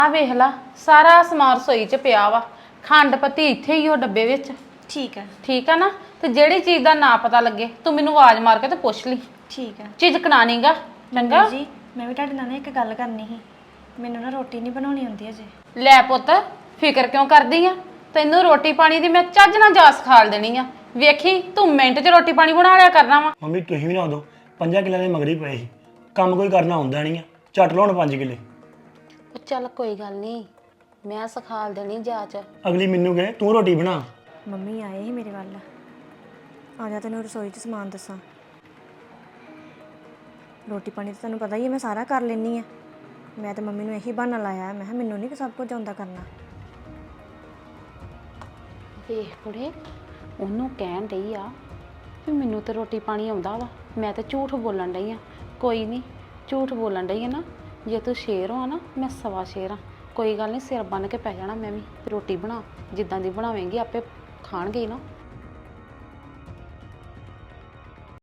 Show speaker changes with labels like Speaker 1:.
Speaker 1: ਆ ਵੇਖ ਲਾ ਸਾਰਾ ਸਮਾਨ ਰਸੋਈ 'ਚ ਪਿਆ ਵਾ। ਖੰਡ ਪੱਤੀ ਇੱਥੇ ਹੀ ਉਹ ਡੱਬੇ ਵਿੱਚ। ਠੀਕ ਆ ਨਾ। ਤੇ ਜਿਹੜੀ ਚੀਜ਼ ਦਾ ਨਾ ਪਤਾ ਲੱਗੇ ਤੂੰ ਮੈਨੂੰ ਆਵਾਜ਼ ਮਾਰ ਕੇ ਤੇ ਪੁੱਛ ਲਈ।
Speaker 2: ਠੀਕ ਹੈ।
Speaker 1: ਝਿਜਕਣਾ ਨਹੀਂਗਾ ਚੰਗਾ
Speaker 2: ਜੀ। ਮੈਂ ਵੀ ਤੁਹਾਡੇ ਨਾਲ ਇੱਕ ਗੱਲ ਕਰਨੀ ਸੀ। ਮੈਨੂੰ ਨਾ ਰੋਟੀ ਨਹੀਂ ਬਣਾਉਣੀ ਆਉਂਦੀ ਅਜੇ।
Speaker 1: ਲੈ ਪੁੱਤ ਫਿਕਰ ਕਿਉਂ ਕਰਦੀ ਆ? ਤੈਨੂੰ ਰੋਟੀ ਪਾਣੀ ਦੀ ਮੈਂ ਚੱਜ ਨਾਲ ਜਾਸ ਖਾਲ ਦੇਣੀ ਆ। ਵੇਖੀ ਤੂੰ ਮਿੰਟ 'ਚ ਰੋਟੀ ਪਾਣੀ ਬਣਾ ਲਿਆ ਕਰਨਾ ਵਾ।
Speaker 3: ਮੰਮੀ ਤੁਸੀਂ ਵੀ ਨਾ ਦੋ 5 ਕਿੱਲਿਆਂ ਦੇ ਮਗਰੀ ਪਏ ਸੀ। ਕੰਮ ਕੋਈ ਕਰਨਾ ਹੁੰਦਾ ਨਹੀਂ ਆ। ਝੱਟ ਲਾਉਣ 5 ਕਿੱਲੇ।
Speaker 1: ਚੱਲ ਕੋਈ ਗੱਲ ਨਹੀਂ ਮੈਂ ਸਿਖਾਲ ਦੇਣੀ ਜਾਚ।
Speaker 3: ਅਗਲੀ ਮੈਨੂੰ ਕਹੇ ਤੂੰ ਰੋਟੀ ਬਣਾ।
Speaker 2: ਮੰਮੀ ਆਏ ਸੀ ਮੇਰੇ ਵੱਲ। ਆ ਜਾ ਤੈਨੂੰ ਰਸੋਈ 'ਚ ਸਮਾਨ ਦੱਸਾਂ। ਰੋਟੀ ਪਾਣੀ ਤਾਂ ਤੁਹਾਨੂੰ ਪਤਾ ਹੀ ਹੈ ਮੈਂ ਸਾਰਾ ਕਰ ਲੈਂਦੀ ਆ। ਮੈਂ ਤਾਂ ਮੰਮੀ ਨੂੰ ਇਹੀ ਬਹਾਨਾ ਲਾਇਆ। ਮੈਂ ਕਿਹਾ ਮੈਨੂੰ ਨਹੀਂ ਸਭ ਕੁਝ ਆਉਂਦਾ ਕਰਨਾ।
Speaker 1: ਵੇਖ ਕੁੜੇ ਉਹਨੂੰ ਕਹਿਣ ਡਈ ਆ ਵੀ ਮੈਨੂੰ ਤੇ ਰੋਟੀ ਪਾਣੀ ਆਉਂਦਾ ਵਾ। ਮੈਂ ਤੇ ਝੂਠ ਬੋਲਣ ਡਈ ਆ। ਕੋਈ ਨਹੀਂ ਝੂਠ ਬੋਲਣ ਡਈ ਆ ਨਾ। ਜੇ ਤੂੰ ਸ਼ੇਰ ਹੋ ਨਾ ਮੈਂ ਸਵਾ ਸ਼ੇਰ ਆ। ਕੋਈ ਗੱਲ ਨਹੀਂ ਸਿਰ ਬੰਨ ਕੇ ਪੈ ਜਾਣਾ ਮੈਂ ਵੀ। ਰੋਟੀ ਬਣਾ ਜਿੱਦਾਂ ਦੀ ਬਣਾਵੇਂਗੀ ਆਪੇ ਖਾਣਗੇ ਨਾ।